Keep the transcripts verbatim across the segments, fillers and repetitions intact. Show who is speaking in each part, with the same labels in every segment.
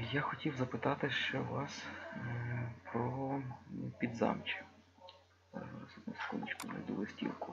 Speaker 1: Я хотів запитати ще вас е, про Підзамче. Зараз одну секундочку знайду листівку.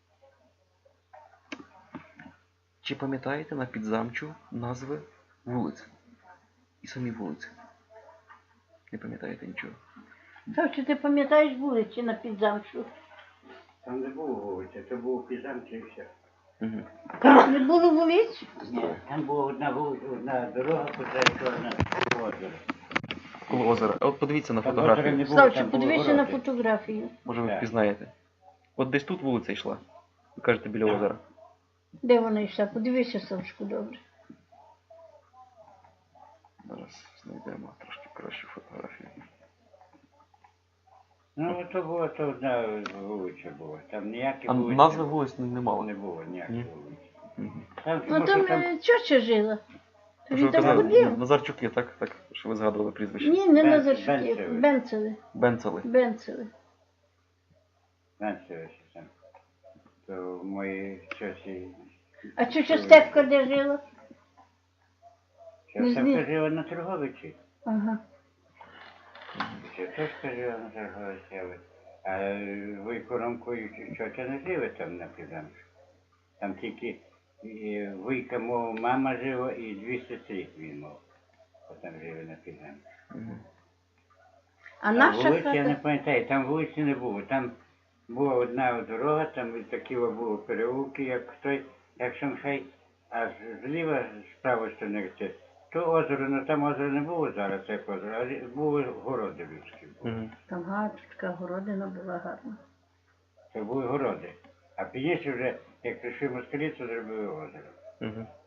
Speaker 1: Чи пам'ятаєте на Підзамчу назви вулиць? І самі вулиці? Не пам'ятаєте нічого?
Speaker 2: Так, чи ти пам'ятаєш вулиці на Підзамчу?
Speaker 3: Там не було вулиці, це був Підзамче і все.
Speaker 1: Угу.
Speaker 2: Не було вулиць?
Speaker 3: Ні, там була одна вулиця, одна дорога, куди чорна озеро.
Speaker 1: Коло озера. От подивіться на
Speaker 3: Там озера
Speaker 1: фотографію.
Speaker 3: не було,
Speaker 2: Славчик,
Speaker 3: там були
Speaker 2: подивися на
Speaker 3: городи.
Speaker 2: фотографію.
Speaker 1: Може ви
Speaker 3: Так.
Speaker 1: впізнаєте. От десь тут вулиця йшла. Ви кажете, біля
Speaker 3: Так.
Speaker 1: озера.
Speaker 2: Де вона йшла? Подивися, Славчику, добре.
Speaker 1: Зараз знайдемо трошки кращу фотографію.
Speaker 3: Ну, то була то одна вулиця була. Там ніякі
Speaker 1: А
Speaker 3: вулиці
Speaker 1: назви вулиць не, не мало.
Speaker 3: не було, ніяких
Speaker 1: Ні.
Speaker 3: вулиць.
Speaker 1: Угу.
Speaker 3: Там,
Speaker 2: Ну
Speaker 3: тому
Speaker 2: там
Speaker 3: що там
Speaker 2: е, тьотя жила.
Speaker 1: Що
Speaker 2: Він
Speaker 1: ви
Speaker 2: там
Speaker 1: казали?
Speaker 2: ходив.
Speaker 1: Назарчуки, так? Так, що ви згадували прізвище.
Speaker 2: Ні, не
Speaker 3: Бен-
Speaker 2: Назарчуки,
Speaker 3: Бенцеви.
Speaker 2: Бенцели.
Speaker 1: Бенцели.
Speaker 2: Бенцели.
Speaker 3: знаєте, що там. То мої часі...
Speaker 2: А тьотя Степка де жила? Не знаю.
Speaker 3: Степка жила на Торговичі.
Speaker 2: Ага.
Speaker 3: Тетушка жила на Торговичі, а Вуйко Ромко і тьотя не жили там на Підзамчу. Там тільки е, Вуйка, мов, мама жила і дві сестри він мав. Там жили на Підзамчу.
Speaker 1: Угу.
Speaker 2: А
Speaker 3: А
Speaker 2: наша
Speaker 3: вулиці я не
Speaker 2: хата?
Speaker 3: пам'ятаю, там вулиці не було. Там була одна дорога, там такі були переулки, як той, як Шанхай, а з- зліва, з правої сторони, це, то озеро, ну там озеро не було зараз, як озеро, а лі- були городи людські.
Speaker 1: Угу.
Speaker 2: Там гарна така городина була гарна.
Speaker 3: Це були городи. А пізніше вже, як прийшли москалі, то зробили озеро.
Speaker 1: Угу.